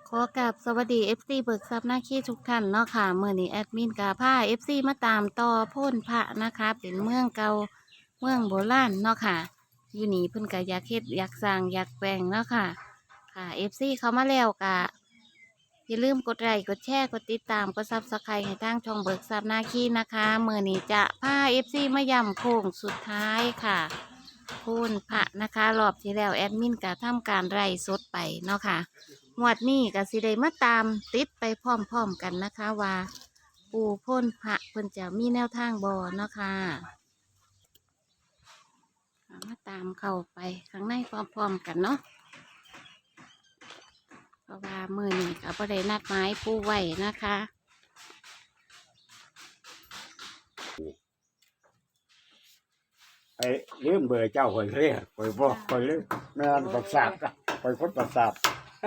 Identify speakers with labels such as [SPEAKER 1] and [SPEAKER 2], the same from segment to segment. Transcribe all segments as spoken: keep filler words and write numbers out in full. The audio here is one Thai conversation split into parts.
[SPEAKER 1] ขอกราบสวัสดี เอฟ ซี เบิกทรัพย์หน้าขี้ทุกท่านเนาะค่ะเมื่อนี้แอดมินกาผ้า เอฟ ซี มาตามต่อโพ่นพระนะคะ เป็นเมืองเก่าเมืองโบราณเนาะค่ะอยู่นี่เพิ่นก็อยากเฮ็ดอยากสร้างอยากแปลงเนาะค่ะค่ะ เอฟ ซี เขามาแล้วกะอย่าลืมกดไลค์กดแชร์กดติดตามกดซับสไครต์ให้ทางช่องเบิกทรัพย์หน้าขี้นะคะเมื่อนี้จะผ้า เอฟ ซี มาย่ำโค้งสุดท้ายค่ะโพ่นพระนะคะรอบที่แล้วแอดมินก็ทำการไล่สดไปเนาะค่ะ งวดนี้ก็สิได้มาตามติดไปพร้อมๆกันนะคะว่า ปู่พ่นพระเพิ่นจะมีแนวทางบอเนาะค่ะเอามาตามเข้าไปข้างในพร้อมๆกันเนาะเพราะว่ามือนี้ก็บ่ได้นัดหมายปู่ไว้นะคะ
[SPEAKER 2] ไอ้ลืมเบอร์เจ้าคนเรียกคอยบอกคอยลืมแม่นประสาทคอยคนประสาท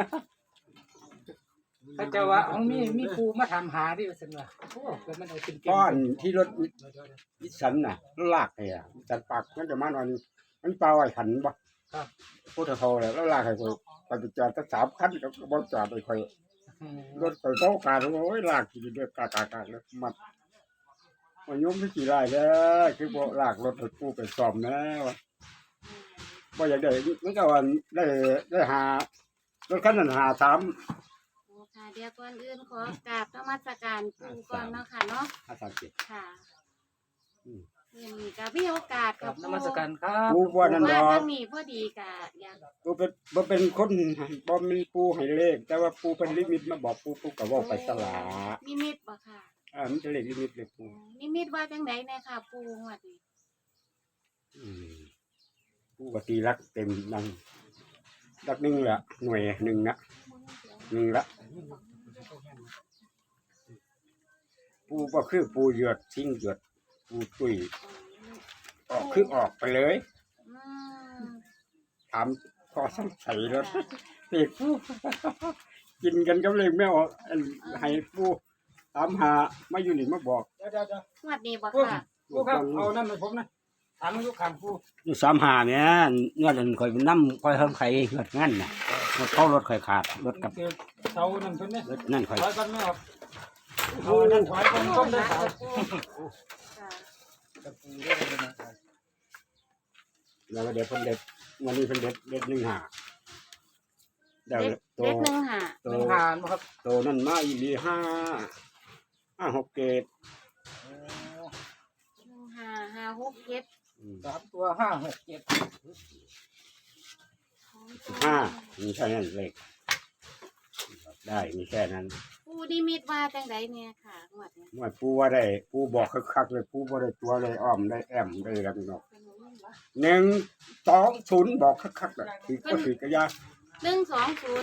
[SPEAKER 3] ถ้าเจ้าว่าของมีมีปูมาทำหาดิว่าซั่นว่าโอ้เกิดมันเอาเป็นเก่ง
[SPEAKER 2] ก้อนที่รถวิสันน่ะลากไงอ่ะวิสันปากมันจะมานอนมันเปล่าไอ้ขันบ่
[SPEAKER 3] ครับ
[SPEAKER 2] พูดเท่าเลยแล้วลากให้คอยไปจอดตั้งสามคันก็บ่จอดไปคอย
[SPEAKER 3] อืม
[SPEAKER 2] รถคอยโต๊ะการโอ้ยลากกี่เดือกากากาแล้วมัดมันยุ่งที่กี่ไรเด้อคือบ่ลากรถไปกู้ไปซ่อมนะวะบ่อยากได้มันก็ว่าได้ได้หารถคันนั้นหาสาม
[SPEAKER 1] โอ้ค่ะเดี๋ยวก่อนอื่นขอกราบนมัสการปู่ก่อนเนาะค่ะเนาะ
[SPEAKER 2] ห้าสามเจ็ด
[SPEAKER 1] ค่ะ
[SPEAKER 2] อืม
[SPEAKER 1] มื่อนี้ก็มีโอกาส
[SPEAKER 3] ค
[SPEAKER 1] กั
[SPEAKER 3] รั
[SPEAKER 1] บบ
[SPEAKER 3] นมัสการครับ
[SPEAKER 2] ปูว่านั่น
[SPEAKER 1] ว่า
[SPEAKER 2] ดอ
[SPEAKER 1] ทาก งนี้พอดีกะอยาก
[SPEAKER 2] ปูเป็นบ่เป็นคนบ่มีปูให้เลขแต่ว่าปูเป็นลิมิตมาบอกปูปูก็เว้าไปสลา
[SPEAKER 1] นิมิตบ่ค่ะ
[SPEAKER 2] อ่ามันจะเลขลิมิตเลยปู
[SPEAKER 1] นิมิตว่าจังไดแน่ค่ะปูงวดนี้
[SPEAKER 2] อืมปูก็ตีรักเต็มนั่งรักหนึ่งละหน่วยหนึ่งนะหนึ่งละปูก็คือปูหยดทิ้งหยดปูตุยออกคือออกไปเลย
[SPEAKER 1] อืม
[SPEAKER 2] ถามพอสงสัยแล้วเด็กปูกินกันกับเลยไม่ออกอันให้ปูถามหามาอยู่นี่มาบอก
[SPEAKER 3] เดี๋ยวเดี๋ยวเดี๋ยว
[SPEAKER 1] งวดนี้บ่
[SPEAKER 3] ปู
[SPEAKER 1] ค่ะ
[SPEAKER 3] ปูครับเอานั่นให้ผมนะถามลูกข้างปู
[SPEAKER 2] อยู่สามหาเนี่ยเงื่อนข่อยน้ำข่อยเพิ่มไข่เงื่อนงั้นน่ะรถเข้ารถข่อยขาดรถกับ
[SPEAKER 3] เจอเสานั่นเพิ่นเนี่ย
[SPEAKER 2] รถนั่นข่อย
[SPEAKER 3] ถอยกันไหมครับเอาอันนั่นถอยกันต้มได้เสา
[SPEAKER 1] ค่ะ
[SPEAKER 3] กับปูได้เลยนะครับ
[SPEAKER 2] แล้วก็เดี๋ยวเพิ่นเด็ดวันนี้เพิ่นเด็ดเด็ดหนึ่งหาเดี๋ยว
[SPEAKER 1] เด็ด
[SPEAKER 2] โต
[SPEAKER 1] เด็ดหนึ่งหา
[SPEAKER 2] โต
[SPEAKER 3] หนึ่งผ่านบ่ครับ
[SPEAKER 2] โตนั่นมาอีหลีห้าห้าหกเกต
[SPEAKER 3] โอ้
[SPEAKER 1] หนึ่งหาห้าหกเจ็ด
[SPEAKER 2] อืม
[SPEAKER 3] สามตัวห้าหกเจ็ด
[SPEAKER 2] ห้ามีแค่นั้นเลขได้มีแค่นั้น
[SPEAKER 1] ปูนิมิตว่าจังไดเนี่ยค่ะงวดนี้
[SPEAKER 2] เมื่อปูว่าได้ปูบอกคักๆเลยปูบ่ได้ตัวเลยอ้อมได้แอมได้แล้วพี่น้องหนึ่งสองศูนย์บอกคักๆเลยคือก็คือกระยา
[SPEAKER 1] หนึ่งสองศูนย์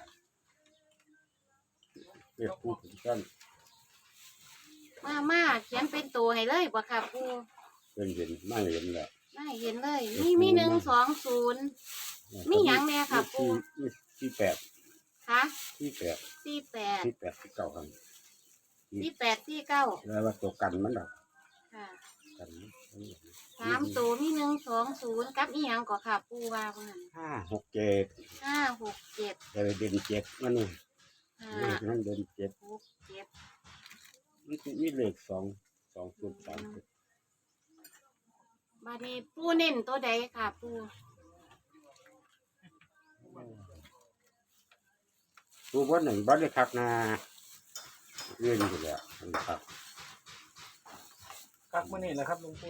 [SPEAKER 2] เรียกปูถึงกัน
[SPEAKER 1] มามาเขียนเป็นตัวให้เลยบ่ค่ะปู
[SPEAKER 2] เป็นเห็นไม่เห็นแหละ
[SPEAKER 1] ได้เห็นเลยมีมีหนึ่งสองศูนย์มีหยังแน่ค่ะปู
[SPEAKER 2] ที่ที่แปด
[SPEAKER 1] ค่ะ
[SPEAKER 2] ที่แปด
[SPEAKER 1] สี่แปด
[SPEAKER 2] ที่แปดที่เก้าครับ
[SPEAKER 1] สี่แปดสี่เก้า
[SPEAKER 2] แล้วว่าตัวกันมันดอก
[SPEAKER 1] ค่ะ
[SPEAKER 2] กัน
[SPEAKER 1] สามตัวมีหนึ่งสองศูนย์กับอีหยังก็ค่ะปูว่าเมื่อนั้น
[SPEAKER 2] ห้าหกเจ็ด
[SPEAKER 1] ห้าหกเจ็ด
[SPEAKER 2] เออเด่นเจ็ดมันนี่
[SPEAKER 1] ห้า
[SPEAKER 2] เลขนั้นเด่นเจ็ด
[SPEAKER 1] หกเจ็ด
[SPEAKER 2] มันสิมีเลขสองสองศูนย์สามศูนย์
[SPEAKER 1] บาดนี้ปูเน้นตัวใดค่ะปู
[SPEAKER 2] ตัววันหนึ่งบัตรได้คักนาเลื่อนอยู่แล้วมันครับ
[SPEAKER 3] ครับมื้อนี้แหละครับหลวงปู่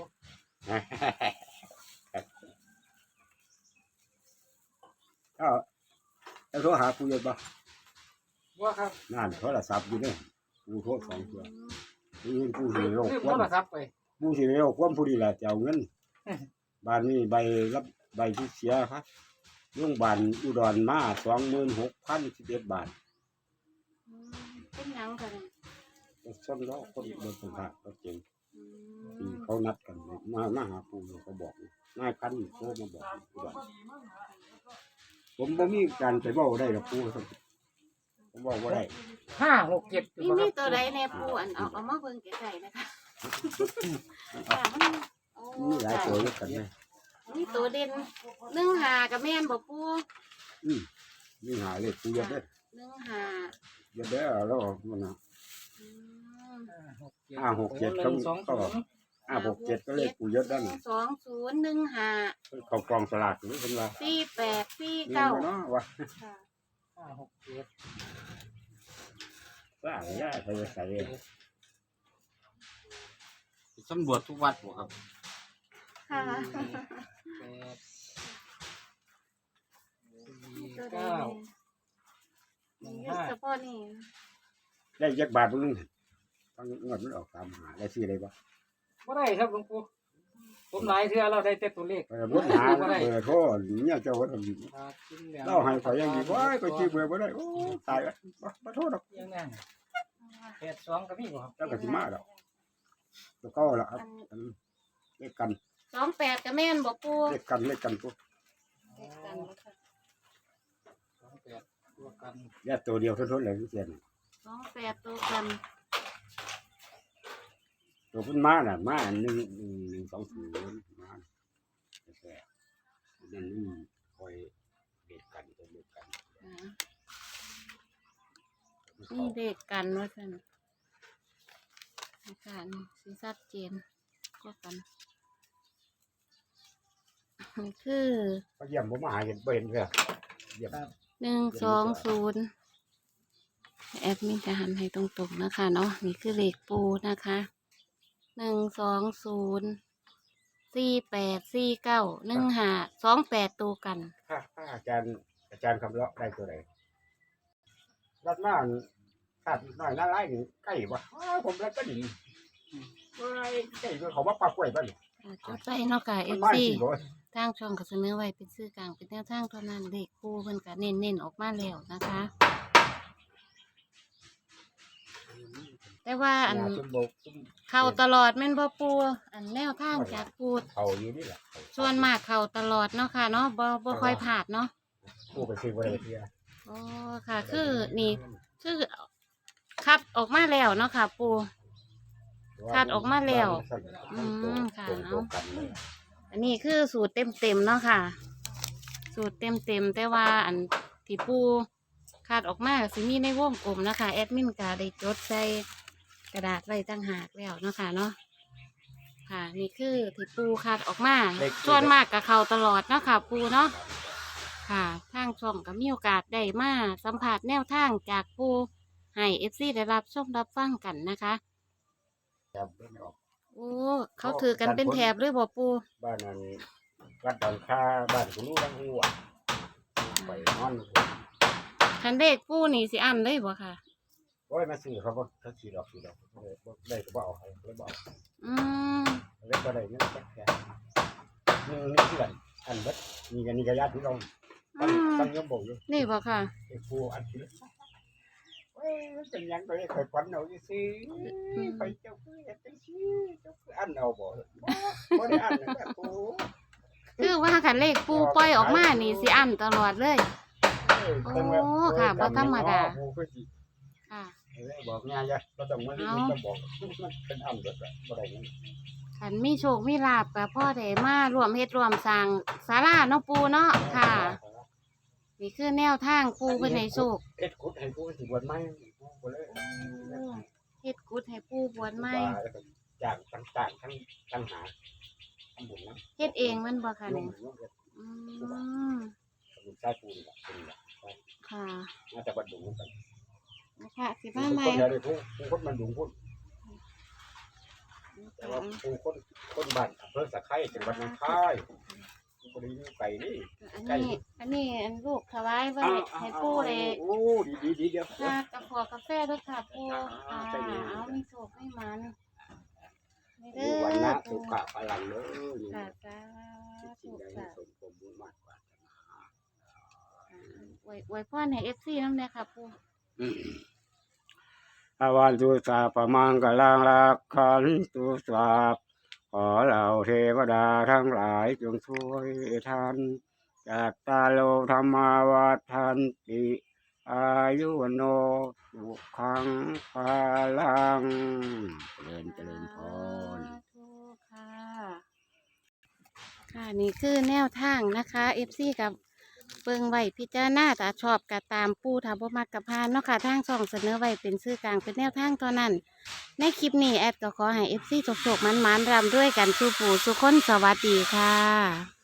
[SPEAKER 2] ก็จะโทรหาผู้ใหญ่บ้า
[SPEAKER 3] ว่าครับ
[SPEAKER 2] นั่นโทรศัพท์อยู่เนี่ยผู้โทรสองตัวนี่ผู้สิโรค
[SPEAKER 3] ลืม
[SPEAKER 2] ควา
[SPEAKER 3] โท
[SPEAKER 2] ม
[SPEAKER 3] รศัพท์ไป
[SPEAKER 2] ผู้สิโรคความผู้ดีแหละจะเอาเงินบ้านนี้ใบรับใบที่เสียครับโรงพยาบาลอุดรมาสองหมื่นหกพันสิบเอ็ดบาท
[SPEAKER 1] อืมเป็นหยังค่ะเนี่ย
[SPEAKER 2] ก็ส้นแล้วคนเดินสัมผัสก็เก่ง
[SPEAKER 1] อื
[SPEAKER 2] ที่
[SPEAKER 1] ม
[SPEAKER 2] เขานัดกันมามาหาปู่เขาบอกนายคันโทรมาบอกว่าผมบ่มีการไปบอกได้หรอกปู่ผมบอกว่าได้
[SPEAKER 3] ห้าหกเจ็ด
[SPEAKER 1] มีมีตัวใดในปูอันเอาเอามาเบิ่งไกลๆนะคะค่ะมันโอ้
[SPEAKER 2] มีหลายตัวด้วยกันเลย
[SPEAKER 1] มีตัวเด่นหนึ่งหากับแม่นบ่ปู
[SPEAKER 2] อืมมีหาเลยปู่ยัดได้
[SPEAKER 1] หหนึ่งห้า
[SPEAKER 2] เดี๋ยวเด้อแล้วออกมันนะ
[SPEAKER 1] อืม
[SPEAKER 2] ห้าหกเจ็ด
[SPEAKER 3] ห
[SPEAKER 2] เขา
[SPEAKER 3] นึ่งสอง
[SPEAKER 2] ก็
[SPEAKER 3] ศูนย์
[SPEAKER 2] ห้าหกเจ็ดก็เลขปู่ยศด้าน
[SPEAKER 1] สองศูนย์หนึ่งห้า
[SPEAKER 2] เขากองสลากหรือเป็นว่า
[SPEAKER 1] สี่แปดสี่
[SPEAKER 2] เงิน
[SPEAKER 1] เก้า
[SPEAKER 2] เนาะวะ
[SPEAKER 1] ค่ะ
[SPEAKER 3] ห้าหกเจ็ด
[SPEAKER 2] ว่าย่าใส่ใส่
[SPEAKER 4] สำรวจทุกวัดบ่ครับ
[SPEAKER 1] ค่ะ
[SPEAKER 3] แปดสี่
[SPEAKER 1] ตัวใด
[SPEAKER 3] เก้า
[SPEAKER 1] นี่นี่เฉพาะนี่
[SPEAKER 2] ได้ยักบาทมึงต้องเงินมันออกตามหาได้ซื้ออะไรบ่
[SPEAKER 3] บ่ได้ครับหลวงปู่ผมหลายเทื่อเราได้แต่ตัวเลข
[SPEAKER 2] เออบ่หาเบอร์โทรเนี่ยเจ้าว่าทำ
[SPEAKER 3] ครับกินแล้ว
[SPEAKER 2] เล่าให้ข่อยยังดีว่าก็ชื่อเบอร์บ่ได้โอ้ตายแล้วบ่บ่โทษดอก
[SPEAKER 3] ยังนั่งแปดสองก็มีบ่ครับ
[SPEAKER 2] เจ้าก็สิมาดอกตัวเก่าล่ะครับอันเลขกัน
[SPEAKER 1] สองแปดก็แม่นบ่ปู
[SPEAKER 2] เลขกันเลขกันปุ๊บ
[SPEAKER 1] เลขกันบ่ค่ะ
[SPEAKER 3] สองแปดตัวกัน
[SPEAKER 2] แยกตัวเดียวทุนๆเลยเสียน
[SPEAKER 1] สองแปดตัวกัน
[SPEAKER 2] ตัวเพิ่นมาน่ะมาหนึ่งหนึ่งหนึ่งสองศูนย์มาแต่นั่นนี่คอยเด็กกันตัวเด็กกัน
[SPEAKER 1] อ่านี่เลขกันว่าซั่นอาการสิชัดเจนก็กันคือ
[SPEAKER 2] เขาเยี่ยมผมมาหาเห็นบ่เห็นเด้อเยี่ยม
[SPEAKER 3] ครับ
[SPEAKER 1] หนึ่งสองศูนย์แอดมินจะหันให้ตรงๆนะคะเนาะนี่คือเลขปูนะคะหนึ่งสองศูนย์สี่แปดสี่เก้าหนึ่งห้าสองแปดตัวกัน
[SPEAKER 2] ถ้าถ้าอาจารย์อาจารย์คำเลาะได้ตัวไหนรัดมาขาดน้อยน่าไล่นี่ใกล้บ่อ้าวผมรัดก็ดีเฮ้ยใกล้ก็เขาว่าปลากล้วยบ่นี่
[SPEAKER 1] อ่าจดไปเนาะค่ะเอ
[SPEAKER 2] มัน
[SPEAKER 1] ฟ
[SPEAKER 2] มา
[SPEAKER 1] ซี
[SPEAKER 2] สิบ่
[SPEAKER 1] ทางช่องก็เสนอไว้เป็นชื่อกลางเป็นแนวทางเท่านั้นเลขปูเพิ่นก็เน้นๆออกมาแล้วนะคะ แต่ว่าอัน
[SPEAKER 2] หาซุ่มโบกซุ่ม
[SPEAKER 1] เข้าตลอดแม่นบ่ปูอันแนวทางจากปู
[SPEAKER 2] เขาอยู่นี่แหละ
[SPEAKER 1] ส่วนมากเข้าตลอดเนาะค่ะเนาะบ่บ่ค่อยพลาดเนาะ
[SPEAKER 2] กูไปซื้อบ่ได้เที่ย
[SPEAKER 1] โอ้ค่ะ คือนี่คือคัดออกมาแล้วเนาะค่ะ ปู คาดออกมาแล้วอืมค่ะ
[SPEAKER 2] ตรงๆกันเลย
[SPEAKER 1] อันนี้คือสูตรเต็มๆเนาะค่ะ สูตรเต็มๆแต่ว่าอันที่ปูคาดออกมาก็สิมีในวงกลมนะคะแอดมินก็ได้จดใส่กระดาษไว้ตั้งหากแล้วเนาะค่ะเนาะค่ะ นี่คือที่ปูคาดออกมาส่วนมากกับเขาตลอดเนาะค่ะ ปูเนาะค่ะทางช่องก็มีโอกาสได้มาสัมผัสแนวทางจากปูให้เอฟซีได้รับชมรับฟังกันนะคะ
[SPEAKER 2] ครับเพิ่นออก
[SPEAKER 1] โอ้เขาถือกันเป็นแถบเลยบ่ปู
[SPEAKER 2] บ้านนั้นวัดดอนค่าบ้านคุณรู้ทั้งหัวไปนอน
[SPEAKER 1] คันเลขปูนี่สิอันเลยบ่ค่ะ
[SPEAKER 2] โอ้ยมาซื้อเขาบ่เขาซื้อดอกซื้อดอกบ่ได้ก็บ่เอาให้เลยบ่เอา
[SPEAKER 1] อืม
[SPEAKER 2] เลยบ่ได้เงินแค่แค่นี่นี่คือกันอันเบิดนี่กันนี่ก็ญาติพี่น้องตั้งตั้งยมบ่อยู่
[SPEAKER 1] นี่บ่ค่ะ
[SPEAKER 2] ไอ้ผู้อันที่เอ้ยมันเป็นหยังก็ได้เคยฝันเอาซื่อๆไปเจ้าคือเฮ็ดจังซี่เจ้าคืออันเอาบ่บ่บ่ได้อันนะแม่ผู้
[SPEAKER 1] คือว่าคันเลขปูปล่อยออกมานี่สิอันตลอดเลย โอ้ค่ะบ่ธรรมดา
[SPEAKER 2] ผู้คือสิ
[SPEAKER 1] ค่ะ
[SPEAKER 2] เลยบอกง่ายจ้ะบ่ต้องมามันต้องบอกมันเป็นอันเบิดอะบ่ได้เงิน
[SPEAKER 1] คันมีโชคมีลาบกับพ่อได้มารวมเฮ็ดรวมสร้างศาลาเนาะปูเนาะค่ะ นี่คือแนวทางปูเพิ่นให้โชค
[SPEAKER 2] เฮ็ดกุดให้ผู้สิบวชใหม่ผู้บ่เลย
[SPEAKER 1] เฮ็ดกุดให้ปูบวชใหม่
[SPEAKER 2] แล้วก็จ้างต่างๆทั้งทั้งหาทำบุญนะ
[SPEAKER 1] เฮ็ดเองมันบ่ค่ะ
[SPEAKER 2] ยุ่
[SPEAKER 1] นี่
[SPEAKER 2] งยุ่งกับ
[SPEAKER 1] อืม
[SPEAKER 2] บุญใต้ปูนล่ะเป็นล่ะ
[SPEAKER 1] ค่ะ
[SPEAKER 2] น่าจะบัดดุงกัน
[SPEAKER 1] นะคะสิ
[SPEAKER 2] ผู้
[SPEAKER 1] มาใหม่
[SPEAKER 2] คนเดียวได้ผู้ผู้คนมันดุงพุ่นแต่ว่าผู้คนคนบ้านอำเภอสะไคร้จังหวัดหนองคายผู้บ่ได้อยู่ไกลนี่
[SPEAKER 1] อันนี้ อันนี้อันลูกถวายไว้ให้ปูเลย
[SPEAKER 2] โอ้ดีๆๆเดี๋ยว
[SPEAKER 1] ค่ะกระพอกาแฟด้วยค่ะปูค่ะเอามีโชคให้มันนี่เด้
[SPEAKER 2] ดู
[SPEAKER 1] อ
[SPEAKER 2] วันนะ
[SPEAKER 1] ปู
[SPEAKER 2] สุขะพลังเลยนี่
[SPEAKER 1] ค่ะสา
[SPEAKER 2] สิ่
[SPEAKER 1] ธุ
[SPEAKER 2] งใดให้
[SPEAKER 1] ค่ะ
[SPEAKER 2] สมความมุ่งมั่นปรารถนา
[SPEAKER 1] อวยอวยพรให้เอฟซีน้ำเนี่ยค่ะปู
[SPEAKER 2] อาวันตุสาปะมังกลังลักขันตุสาปขอเหล่าเทวดาทั้งหลายจงช่วยท่านจากตาโลธรรมาวัฏันติอายุวโนสุขังพาลังเจริญเจริญพร
[SPEAKER 1] สาธุค่ะ ค่ะนี่คือแนวทางนะคะเอฟซีกับเบิ่งไว้พิจารณาถ้าชอบก็ตามปู่ถ้าบ่มักก็ผ่านเนาะค่ะทางช่องเสนอไว้เป็นสื่อกลางเป็นแนวทางเท่านั้น ในคลิปนี้แอดก็ขอให้ เอฟ ซี โชคๆมันๆรำด้วยกันสู่ปู่สู่คนสวัสดีค่ะ